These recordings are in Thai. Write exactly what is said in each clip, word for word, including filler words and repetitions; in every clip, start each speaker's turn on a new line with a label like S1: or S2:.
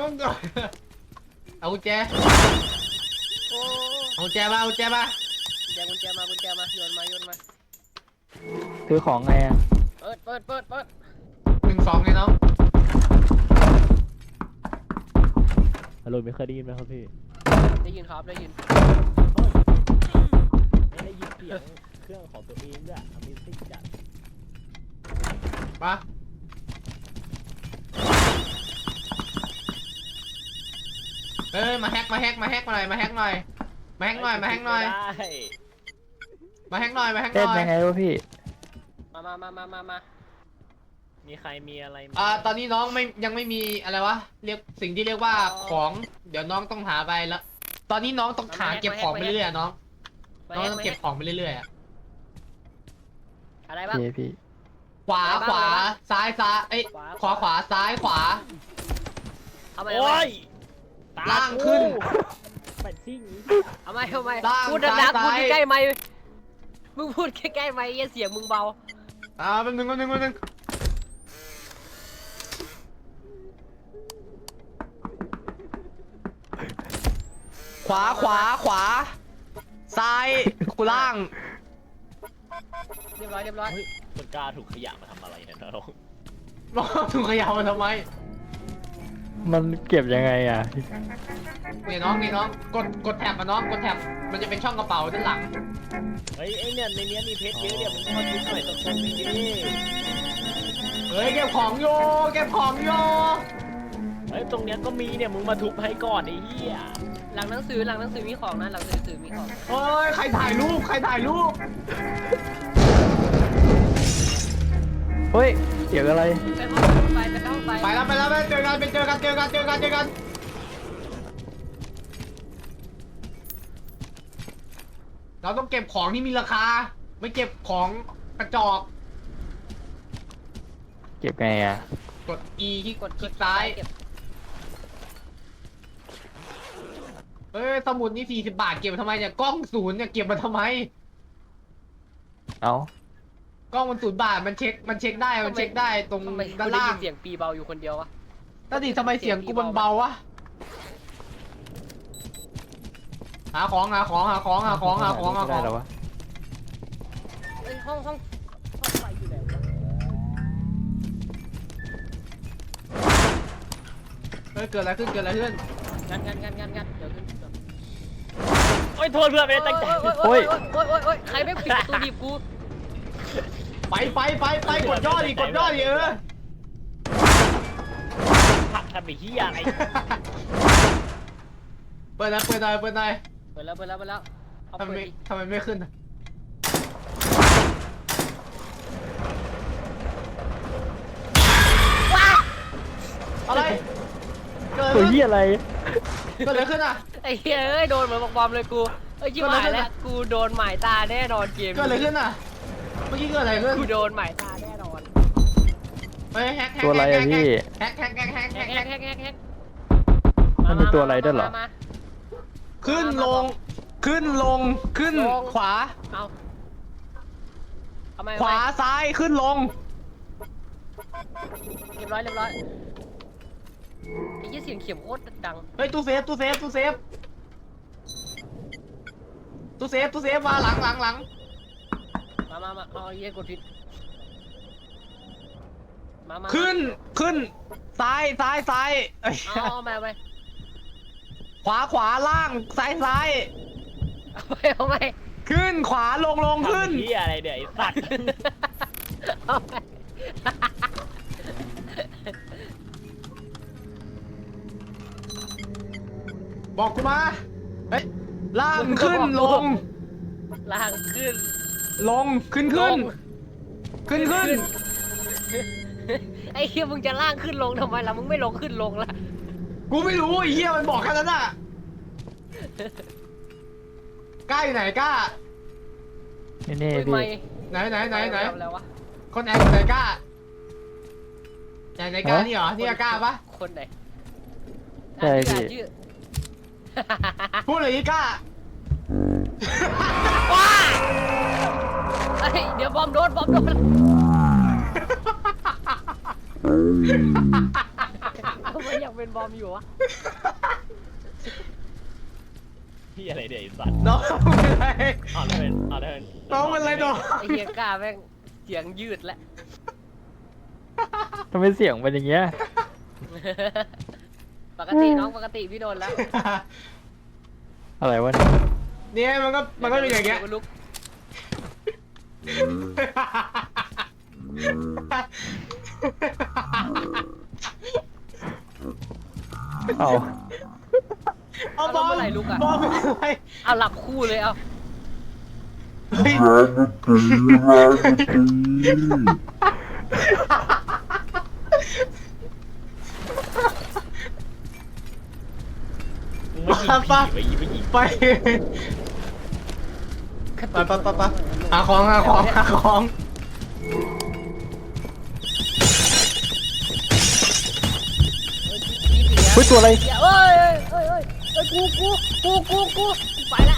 S1: องก่อนเอากุญแจ
S2: โอ้
S1: เอากุญแจมาเอากุญแจมา
S2: กุญแจกุญแจมากุญแจมาโยนมาโยนมา
S3: ซื้อของไงอ่ะ
S2: เปิดเปิดเปิดเปิด
S1: หนึ่งสองเลยน้อง
S4: ฮัลโหลไม่เคยได้ยินไหมครับพี่
S2: ได้ยินครับได้ยิน
S4: ไม่ได้ยินเสียงเครื่องของตัวเองด้วย Amazing จัด
S1: มาเอ้ยมาแฮกมาแฮกมาแฮกมาหน่อยมาแฮกหน่อยมาแฮกหน่อยมาแฮกหน่อย
S4: ได้
S1: มาแฮกหน่อยมาแฮกห
S3: เต้น
S1: น่อย
S3: ยังไงวะพี่
S2: มามามามามามา
S4: มีใครมีอะไรไหม
S1: อ่าตอนนี้น้องไม่ยังไม่มีอะไรวะเรียกสิ่งที่เรียกว่าของเดี๋ยวน้องต้องหาไปแล้วตอนนี้น้องต้องหาเก็บของไปเรื่อยๆน้องน้องต้องเก็บของไปเรื่อยๆอะ
S2: อะไรบ้าง
S3: พี่พี่
S1: ขวาขวาซ้ายซ้ายเอ้ยขวาขวาซ้ายขวา
S2: เอาไหม
S4: โอ้ยต
S1: ล่างขึ้น
S4: เป็ดซิ่ง
S2: เอาไหมเอาไหม
S1: ล่าง
S2: พูดดัง
S1: ซ้าย
S2: ๆพูด
S1: ซ้าย
S2: ใกล้ๆไมค์มึงพูดใกล้ๆไมค์เสียงมึงเบา
S1: อ่าแป๊บนึงแป๊บนึงแป๊บนึงขวาขวาขวาซ้ายกูล่าง
S2: เรียบร้อยเรียบร้อย
S4: เฮ้ยมันกล้าถูกขยะมาทำอะไรเนี่ยน้อง
S1: น้องถูกขยาวมาทำไม
S3: มันเก็บยังไงอ่ะ
S1: เนี่ยน้องนี่น้องกดกดแท็บมาน้องกดแท็บมันจะเป็นช่องกระเป๋าด้านหลัง
S4: เฮ้ยไอเนี่ยในเนี้ยมีเพชรเยอะเนี่ยมันมาทุบหน่อยสักคนหนึงดิ
S1: เฮ้ยเก็บของโยเก็บของโย
S4: เฮ้ยตรงเนี้ยก็มีเนี่ยมึงมาทุบให้ก่อนไอ้เหี้ย
S2: หลังหนังสือหลังหนังสือมีของนะหลังหนังสือมีของ
S1: เฮ้ยใครถ่ายรูปใครถ่ายรูป
S3: เฮ้ยเสียงอะไร
S2: ไปห้องไปไปห้องไป
S1: ไปแล้วไปแล้วไปเจอกันไปเจอกันเจอกันเจอกันเจอกันเราต้องเก็บของที่มีราคาไม่เก็บของกระจอก
S3: เก็บไงอ่ะ
S1: กด E ที่
S2: กด
S1: คลิกซ้าย
S2: เก็บ
S1: เฮ้ยสมุดนี่สี่สิบบาทเก็บมาทำไมเนี่ยกล้องศูนย์เนี่ยเก็บมาทำไม
S3: เอ้าก
S1: ล้องมันศูนย์บาทมันเช็คมันเช็คได้มันเช็คได้ตรง
S2: ทำไม
S1: ด้าน
S2: กูได้
S1: ล่า
S2: ยิ
S1: ง
S2: นเสียงปีเบาอยู่คนเดียววะ
S1: ตอนนี้ทำไมเสียงกูมันเบาวะหาของหาของหาของหาของหาของหาข
S3: ได้
S1: อง
S3: แล้ววะ
S2: เอ้ยห้องห้องห้องไฟอยู่ไหนวะ
S1: เฮ้ยเกิดอะไรขึ้นเกิดอะไรขึ้น
S2: งันงันงันงันงันเดี๋ยวขึ้นเดี๋ยว
S4: โอ้ยโทษเพื่อนไม่ได้ตั้งใจ
S2: โอ้ยโอ้ยโอ้ยโอ้ยโอ้ยใครไม่ปิดประตูดีบกู
S1: ไปไปไปไปกดย่อดิกดย่อดิเออ
S4: ผักทำไอ้เหี้ยอะไร
S1: เปิดหน่อยเปิดหน่อยเปิดหน่อย
S2: เปิดแล้วเปิดแล้วเปิดแล้วเอา
S1: ทำไม
S2: เปิด
S1: ไม่
S2: ดิ
S1: ทำไมไม่ขึ้นอะอะไรเกิด
S3: ตัว
S1: อะไร
S3: เหี้
S1: ขึ้น
S3: ยอะไร
S1: เกิดอะไรขึ้นอ่ะ
S2: ไอ้เฮ้ยเอ้ยโดนเหมือนบอกบอมเลยกูเอ้ยชิบหายแล้วกูโดนหมายตาแน่นอนเกม
S1: เกิดอะไรขึ้นอ่ะเมื่อกี้เกิดอะไรขึ้น
S2: กูโดนหมายตาแน่นอน
S1: เฮ้ยแฮกแฮก
S3: ตัวอะไรอะพี่
S1: แฮกแฮกแฮกแฮก
S2: แฮ
S1: แฮ
S2: ก
S1: ก
S2: แฮ
S1: แฮ
S2: ก
S1: ก
S2: แฮกแฮกแฮก
S3: มันมีตัวอะไรด้วยเหรอ
S2: มามา
S1: ขึ้นลง ขึ้นลงขึ้น
S2: ลง
S1: ขวา
S2: เอาเอาไหม
S1: ขวาซ้ายขึ้นลง
S2: เรียบร้อยเรียบร้อยไอ้ยี่เสียงเข็มโคตรดัง
S1: เฮ้ยตู้เซฟตู้เซฟตู้เซฟตู้เซฟตู้เซฟมาหลังหลังหลัง
S2: มามามาเอาไอ้เหี้ยกดผิดมามา
S1: ขึ้นขึ้นซ้ายซ้ายซ้ายเอ้ย
S2: เอาเอามาเอาไป
S1: ขวาขวาล่างซ้ายซ้าย
S2: เอาไปเอาไป
S1: ขึ้นขวาลงลง
S4: ทำ
S1: ขึ้น
S4: ไอ้เหี้ยอะไรเดี๋ยวไอ้สัตว์
S2: เอาไป
S1: บอกกูมาเฮ้ยล่างขึ้นลง
S2: ล่างขึ้น
S1: ลงขึ้นขึ้น ขึ้นขึ้น
S2: ไอ้เหี้ยมึงจะล่างขึ้นลงทำไมล่ะมึงไม่ลงขึ้นลงล่ะ
S1: กูไม่รู้ไอ้เหี้ยมันบอกแค่นั้นอ่ะกล้าอยู่ไหนกล้า
S3: นี่นี่
S2: อุ้ย
S3: พี่
S2: ไม่
S1: ไหนไหนไหนไหน
S2: แล้ววะ
S1: คนไหนคนไหนกล้าไหนไหนกล้านี่เหรอนี่กล้าปะ
S2: คนไหน
S3: ใช่
S2: อ่าน
S3: พี่
S2: ชื่อ
S1: พูดเลยนี่กล้า
S2: ว้าเฮ้ยเดี๋ยวบอมโดนบอมโดนทำไมอยากเป็นเป็นบอมอยู่วะ
S4: พี่อะไรเดี๋ยวไอ้สัตว์
S1: น้องเป็นไร
S4: เอาเลยเอาเลย
S1: น้องเป็นไรน้อง
S2: ไอ้เฮียกล้าแม่งเสียงยืดแล้ว
S3: ทำไมเสียงเป็นอย่างเงี้ย
S2: ปกติน้องปกติพี่โดนแล้ว
S3: อะไรวะเนี่ย
S1: เนี่ยมันก็มันก็เป็นอย่างเงี้ย
S2: ดี๋วลุก
S3: เอา
S1: เอาบอมบอมเป็นไร
S2: เอาหลับคู่เลยเอา
S1: เฮ้ย
S4: มึงไม่ยิงผีไปยิงไปยิง
S1: ไปไปไปไปไปหาของหาของหาของ
S3: เฮ้ยตัวอะไร
S2: เดี๋ยวเอ้ยเอ้ยเอ้ยเอ้ยเอ้ยกูกูกูกูกูไปละ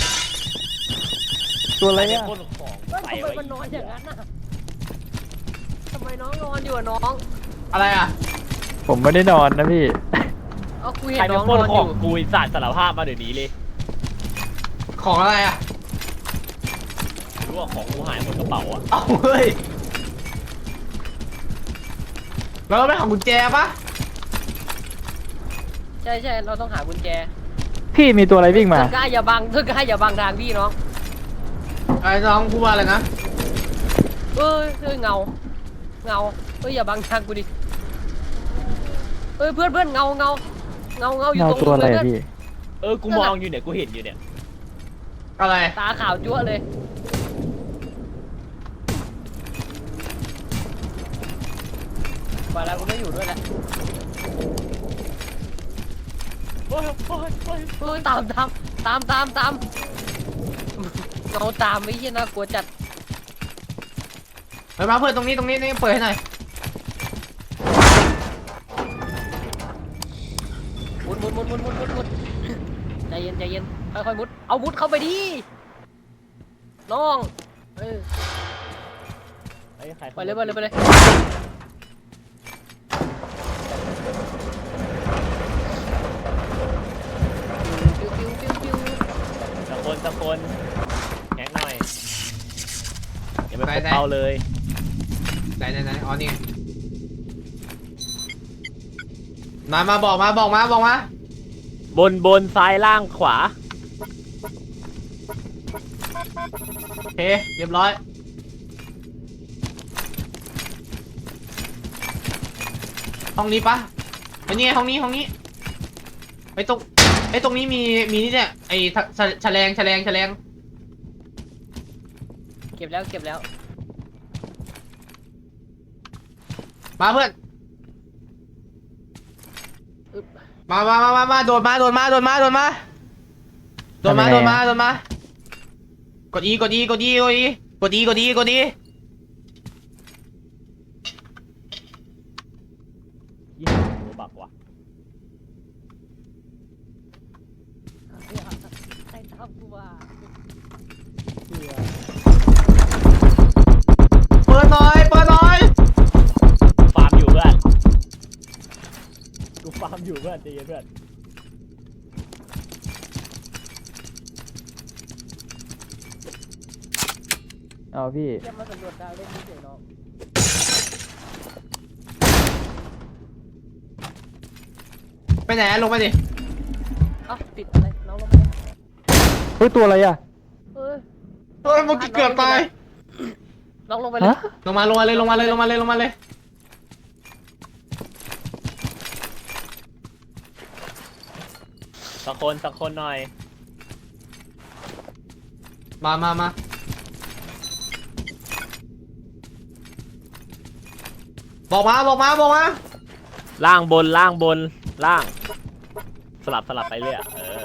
S3: ตัวอะไร
S4: ไอ้
S3: อ่ะ
S4: คนของ
S2: เฮ้ย
S4: ใส่
S2: ทำไม
S4: ไว้
S2: มันนอนอย่างนั้นน่ะทำไมน้องนอนอยู่อะน้อง
S1: อะไรอ่ะ
S3: ผมไม่ได้นอนนะพี่
S2: เอากูเห็
S4: ใคร
S2: น
S4: เป็
S2: น้
S4: น
S2: อง
S4: คน
S2: นอน
S4: ข
S2: อ
S4: อง
S2: ยู่
S4: กูไอ้สัตว์สารภาพมาเดี๋ยวนี้เลย
S1: ของอะไรอ่ะ
S4: รู้ว่าของกูหายหมดกระเป๋าอ่ะ
S1: เอาเฮ้ยแล้วเราไปหากุญแจปะ
S2: ใช่ใช่เราต้องหากุญแจ
S3: พี่มีตัวอะไรวิ่งมา
S2: เธอกล้าอย่าบังเธอกล้าอย่าบังทางพี่น้อง
S1: ไอ้น้องพูดว่าอะไรนะ
S2: เอ้ยเอ้ยเงาเงาเอ้ยอย่าบังทางกูดิเอ้ยเพื่อนเพื่อนเงาเงาเงาเงาอยู่
S3: เงา
S2: ตรง
S3: ตัวอะไร
S2: เพื่
S3: อะ
S2: น
S3: พี่
S4: เออกูมองอยู่เนี่ยกูเห็นอยู่เนี่ย
S1: อะไร
S2: ตาขาวจั๊วะเลยไปแล้วกูไม่อยู่ด้วยแล้ว
S4: โอ้ยโอ้ยโอ้ย
S2: เฮ้ยตามตามตามตามตามเงาตามไม่ใช่น่ากลัวจัด
S1: ไปมาเพื่อนตรงนี้ตรงนี้นี่เปิดให้หน่อย
S2: มุดมุดมุดมุดมุดมุดมุดใจเย็นใจเย็นค่อยๆมุดเอามุดเข้าไปดิน้องเออ
S4: ไอ้ใคร
S2: ไปเลยไปเลยไปเลยปิ้วปิ้วปิ้วปิ้ว
S4: ตะคนตะคนแข็งหน่อยอย่าไปพบเป้าเลย
S1: ไหนไหนไหนอ๋อนี่ไงมามาบอกมาบอกมาบอกมา
S4: บนบนซ้ายล่างขวา
S1: โอเคเรียบร้อยห้องนี้ปะไอ้นี่ไงห้องนี้ห้องนี้ไอ้ตรงไอ้ตรงนี้มีมีนี่เนี่ยไอ้ทะแฉแฉลงแฉลงแฉลง
S2: เก็บแล้วเก็บแล้ว
S1: มาเพื่อน
S2: อึ๊บ
S1: มามามามามาโดดมาโดดมาโดดมาโดดมาโดดมาโดดมาโดดมากดอีกดอีกดอีกดอีกดอีกดอีกดอี
S4: ยี่สิบตัวบักว่ะ
S2: ใครทำกูว่า
S1: เปิดหน่อยเปิดหน่อย
S4: ฟาร์มอยู่เพื่อนกูฟาร์มอยู่เพื่อนใจเย็นเพื่อน
S3: เอาพี่
S2: เก็บมาสำรวจดาวเล่นเฉยๆน้อง
S1: ไปไหนลงไปดิ
S2: เอ้าติดอะไรน้องลงมาเลย
S3: เฮ้ยตัวอะไรอ่ะ
S2: เอ้ย
S1: เฮ้ยเมื่อกี้เกือบตาย
S2: น้องลงไปเลย
S3: ฮะ
S1: ลงมาลงมาเลยลงมาเลยลงมาเลยลงมาเลย
S4: ตะคนตะคนหน่อย
S1: มามามาบอกมาบอกมาบอกมา
S4: ล่างบนล่างบนล่าง สลับสลับไปเรื่อยเออ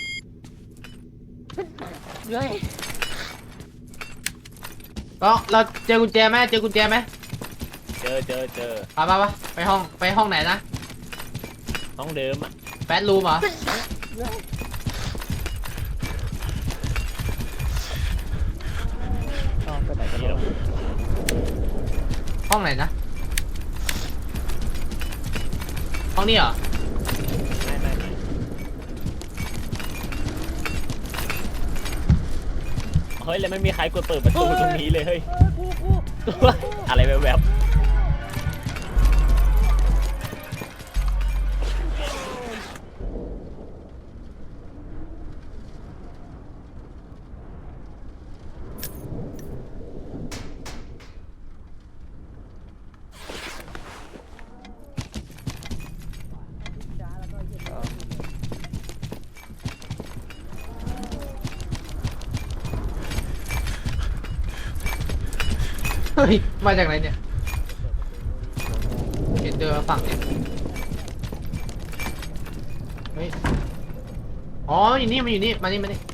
S2: เฮ้ย
S1: ก็เราเจอกุญแจไหมเจอกุญแจไหม
S4: เจอเจอเจอ
S1: ไปไปไปไปห้องไปห้องไหนนะ
S4: ห้องเดิมอ่ะ
S1: แฟตรูมเหรอ
S3: เอาไปไหนกัน
S4: นี่
S3: แล้ว
S4: เรา
S1: ห้องไหนนะห้องนี้เหรอ
S4: เฮ้ยแล้วไม่มีใครกดเปิดประตูตรงนี้เลยเฮ้ย
S2: เออกูกู
S4: อะไรแบบ
S1: เฮ้ยมาจากไหนเนี่ยเห็นเดินมาฝั่งเนี่ยเฮ้ยอ๋ออยู่นี่มันอยู่นี่มานี่มานี่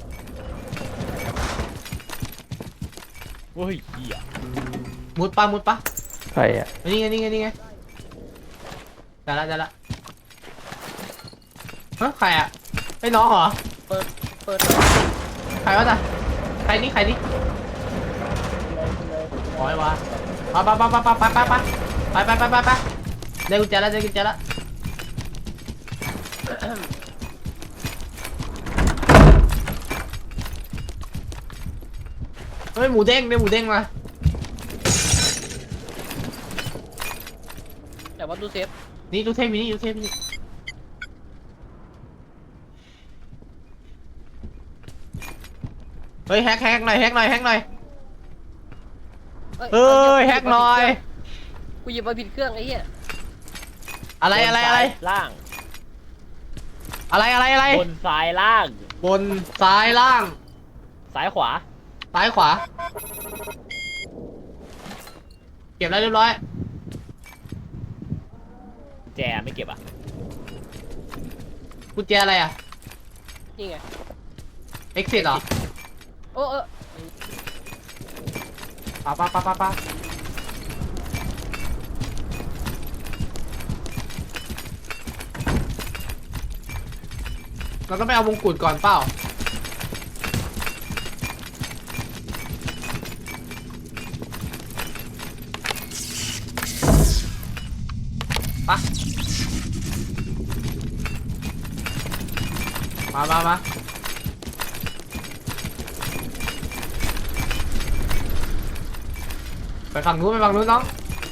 S4: เฮ้ยเหี้ย
S1: มุดปะมุดปะ
S3: ใครอ่ะ
S1: นี่ไงนี่ไงนี่ไงได้ละได้ละฮะใครอ่ะไอ้น้องเหรอ
S2: เปิดเปิด
S1: ใครวะจ๊ะใครนี่ใครนี่โอ้ยวะไปไปไปไปไปไปไปไปไปไปไปไปได้กุญแจแล้วได้กุญแจแล้วเฮ้ยหมูเด้งเนี่ยหมูเด้งมา
S2: แต่ว่าตู้เซฟ
S1: นี่ดูเทปนี่ดูเทปนี่เฮ้ยแฮกแฮกหน่อยแฮกหน่อยแฮกหน่อยเฮ้ยแฮกหน่อย
S2: กูหยิบมาผิดเครื่องไอ้เหี้ย
S1: อะไรอะไรอะไร
S4: ล่าง
S1: อะไรอะไรอะไร
S4: บนซ้ายล่าง
S1: บนซ้ายล่าง
S4: ซ้ายขวา
S1: ซ้ายขวาเก็บแล้วเรียบร้อย
S4: แจไม่เก็บอ่ะ
S1: กุญแจอะไรอ่ะ
S2: นี่ไง
S1: exit เหรอ
S2: โอ้เออ
S1: ปะปะปะปะปะเราต้องไปเอามงกุฎก่อนเปล่าปะมามามาไปฝั่งนู้นไปฝั่งนู้นน้อง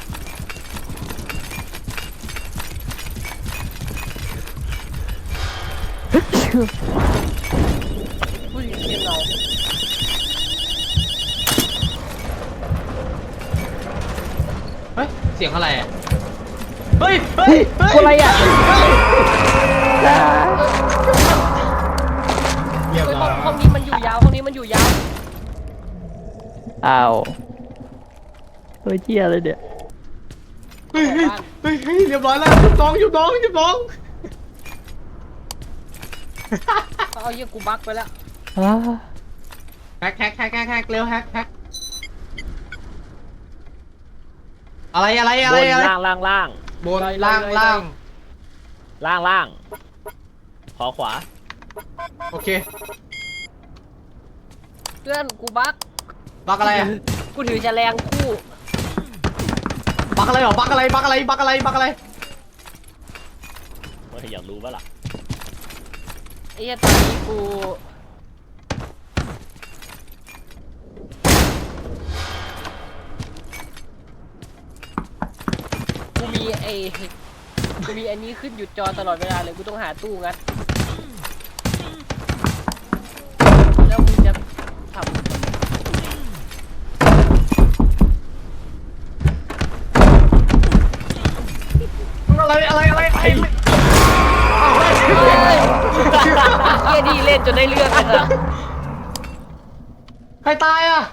S2: ผู้หญิงเกมเรา
S1: เฮ้ย เสียงอะไรอ่ะ เฮ้ย เฮ้ย เฮ้ย
S3: อะไรอ่ะ
S1: เยี่ยม
S2: เฮ้ย
S1: เล
S2: ห้อย งห้องนี้มันอยู่ยาวห้องนี้มันอยู่ยาว
S3: อ้าวเฮ้ยเจียอะไรเนี่ย
S1: เฮ้ยเฮ้ยเฮ้ยเฮ้ยเรียบร้อยแล้วหยุดน้องหยุดน้องหยุดน้อง
S2: เอาเหี้ยกูบั๊กไปแล้ว
S3: อ้า
S1: แฮกแฮกแฮกแฮกแฮกเร็วแฮกแฮกอะไรอะไร
S4: บ
S1: อะไร
S4: น
S1: อะไร
S4: ล่างล่างล่าง
S1: บนล่างล่าง
S4: ล่างล่างขอขวา
S1: โอเค
S2: เพื่อนกูบั๊ก
S1: บักอะไรอ่ะ
S2: กูถือแฉลงคู่
S1: บักอะไรหรอบักอะไรบักอะไรบักอะไรบักอะไร
S4: ว่าอยากรู้ปะล่ะ
S2: ไอ้เหี้ยตอนนี้กูกูมีไอ้กูมีอันนี้ขึ้นหยุดจอตลอดเวลาเลยกูต้องหาตู้งัดแล้วมึงจะทำ
S1: อะไรอะไรอะไรไอ้
S2: เฮ้ยเฮียดีเล่นจนได้เรื่องเลยนะ
S1: ใครตายอ่ะ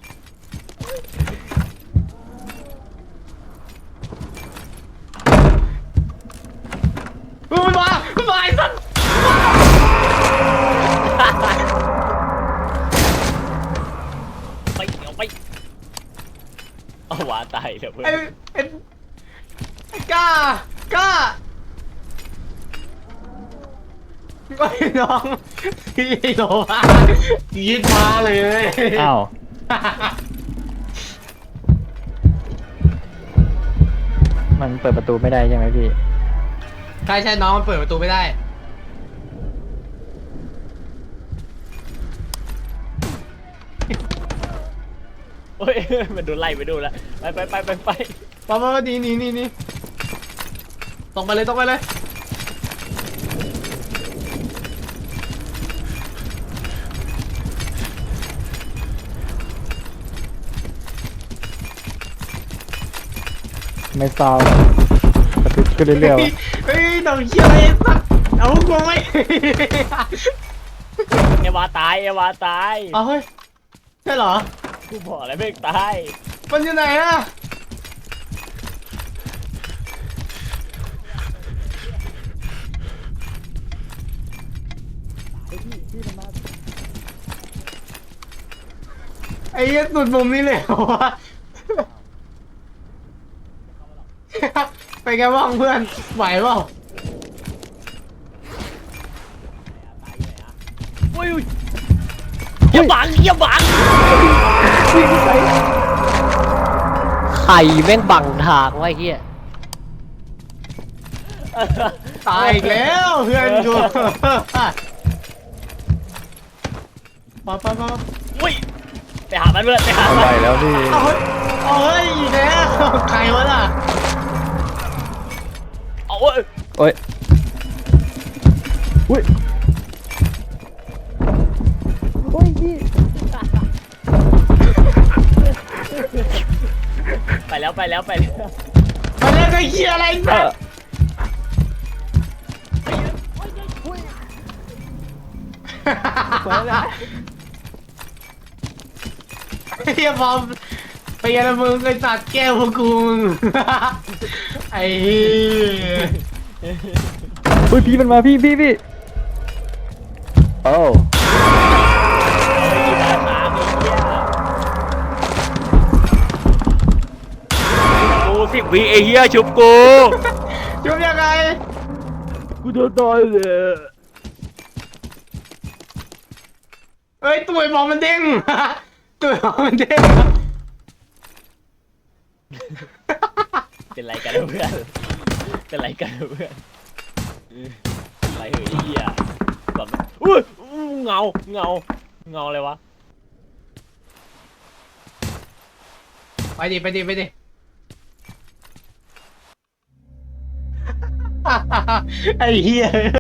S1: มันมามันมาไอ้สัส
S4: ไปเอาไปเอาหวาตายเลยเพื่อ
S1: ไอ้
S4: น
S1: ไอ้ไอ้ก้ากล้าไอ้น้องพี่โลมายืดมาเลย
S3: อ้าวมันเปิดประตูไม่ได้ใช่ไหมพี่
S1: ใช่ใช่น้องมันเปิดประตูไม่ได้
S4: โอ้ยมันโดนไล่ไปดูแล้วไปไปไปไปไป
S1: ปะปะหนีหนีหนีหนีตรงไปเลยตรงไปเลย
S3: ไม่เศร้ากระติกก็เรื่อยๆวะ
S1: เฮ้ยหนังเชี่ยอะไรสักเอากูไม่
S4: เอวาตายเอวาตาย
S1: เอาเฮ้ยใช่เหรอ
S4: กูบอกแล้วไม่ตาย
S1: มันอยู่ไหนอะไอ้เหี้ยสุดมุมนี้เลยเหรอวะ ไปกันบ้างเพื่อนไหวเปล่า
S4: อุ้ยอย่าบังอย่าบัง
S2: ไข่แม่งบังทางไว้เฮีย
S1: ตายอีกแล้วเพื่อนกูมาไปมา
S4: อุ้ยไปหามันเพื่อนไปหา
S3: เอา
S4: มัน
S3: ไปแล้วพี่
S1: เอาเฮ้ยเอาเฮ้ยอีกแล้วใครวะล่ะ
S4: เอาเว้ย
S3: โอ้ยอุ้ยโอ้ยพี่
S4: ไปแล้วไปแล้วไปแล้ว
S1: มาเล่นไอ้เหี้ยอะไร
S3: เอ
S1: เนี่ย
S3: อ
S1: เฮียบอมไปยันมึงไอ้สัตว์แก้วพวกกูมึงไอ้เหี้ย
S3: อุ้ยพี่มันมาพี่พี่พี่โอ้
S4: เฮ้ยตาตามีเหี้ยกูสิบวิไอ้เหี้ยชุบกู
S1: ชุบยังไง
S4: กูโดนต่อยเลย
S1: เอ้ยตัวไอ้บอมมันเด้งตัวไอ้บอมมันเด้ง
S4: เป็นไรกันเพื่อนเป็นไรกันเพื่อนอะไรเฮ้ยเหี้ยแบบอุ้ยอู้เงาเงาเงาอะไรวะ
S1: ไปดิไปดิไปดิไอ้เหี้ย